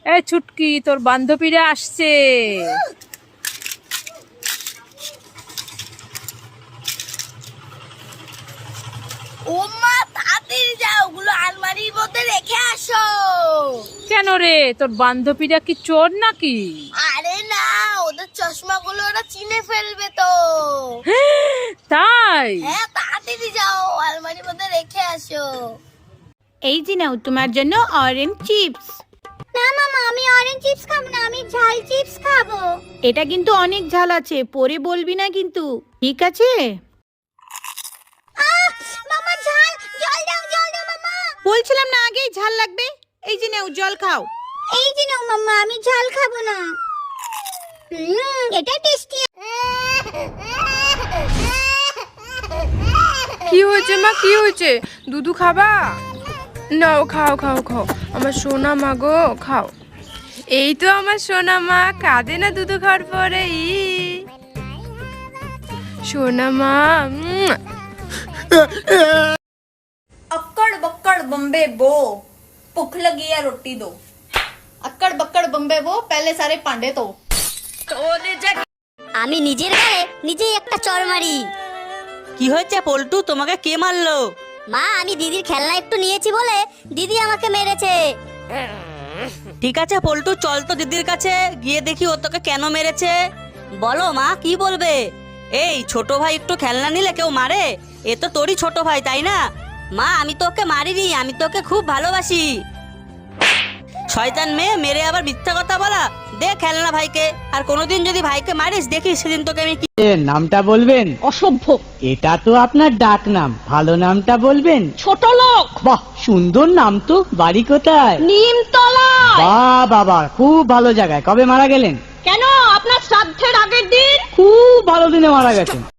এ ছুটকি, তোর বান্ধবীরা আসছে। ও মা, তাড়াতাড়ি যাও, ওগুলো আলমারির মধ্যে রেখে আসো। কেন রে, তোর বান্ধবীরা কি চোর নাকি? আরে না, ওদের চশমাগুলো ওরা চিনে ফেলবে তো। তাই? হ্যাঁ, তাড়াতাড়ি যাও, আলমারির মধ্যে রেখে আসো। এই যে নাও তোমার জন্য অরেঞ্জ চিপস। না মামা, আমি অরেঞ্জ চিপস খাবো না, আমি ঝাল চিপস খাবো। এটা কিন্তু অনেক ঝাল আছে, পরে বলবি না কিন্তু, ঠিক আছে? মামা ঝাল, জল দাও মামা। বলছিলাম না আগেই ঝাল লাগবে। এই যে নাও জল খাও। এই যে নাও মামা, আমি ঝাল খাবো না। এটা টেস্টি। কি হয়েছে মা, কি হয়েছে? দুধু খাবা? নাও, খাও খাও খাও, আমার সোনা মা গো, খাও। এই তো আমার সোনা মা, কাঁদে না দুধু খাওয়ার পরে। সোনা মা। अक्कड़ बक्कड़ बम्बे बो, भूख लगी है रोटी दो। अक्कड़ बक्कड़ बम्बे बो, पहले सारे पांडे तो। আমি নিজের গায়ে নিজেই একটা চড় মারি। কি হয়েছে পল্টু, তোমাকে কে মারলো? মা, আমি দিদির খেলনা একটু নিয়েছি বলে দিদি আমাকে মেরেছে। ঠিক আছে পল্টু, চল তো দিদির কাছে গিয়ে দেখি ও তোকে কেন মেরেছে। বলো মা, কি বলবে? এই ছোট ভাই একটু খেলনা নিলে কেউ মারে? এ তো তোরই ছোট ভাই, তাই না? মা, আমি তোকে মারিনি, আমি তোকে খুব ভালোবাসি। শয়তান মেয়ে, মেরে আবার মিথ্যা কথা বলা। দে খেলনা ভাইকে, আর কোনোদিন যদি ভাইকে মারিস দেখিস সেদিন তোকে আমি কি। নামটা বলবেন? অসভ্য। এটা তো আপনার ডাক নাম, ভালো নামটা বলবেন? ছোট লোক। বাহ, সুন্দর নাম তো। বাড়ি কোথায়? নিমতলা। বাহ বাবা, খুব ভালো জায়গায়। কবে মারা গেলেন? কেন, আপনার শ্রাদ্ধের আগের দিন। খুব ভালো দিনে মারা গেছেন।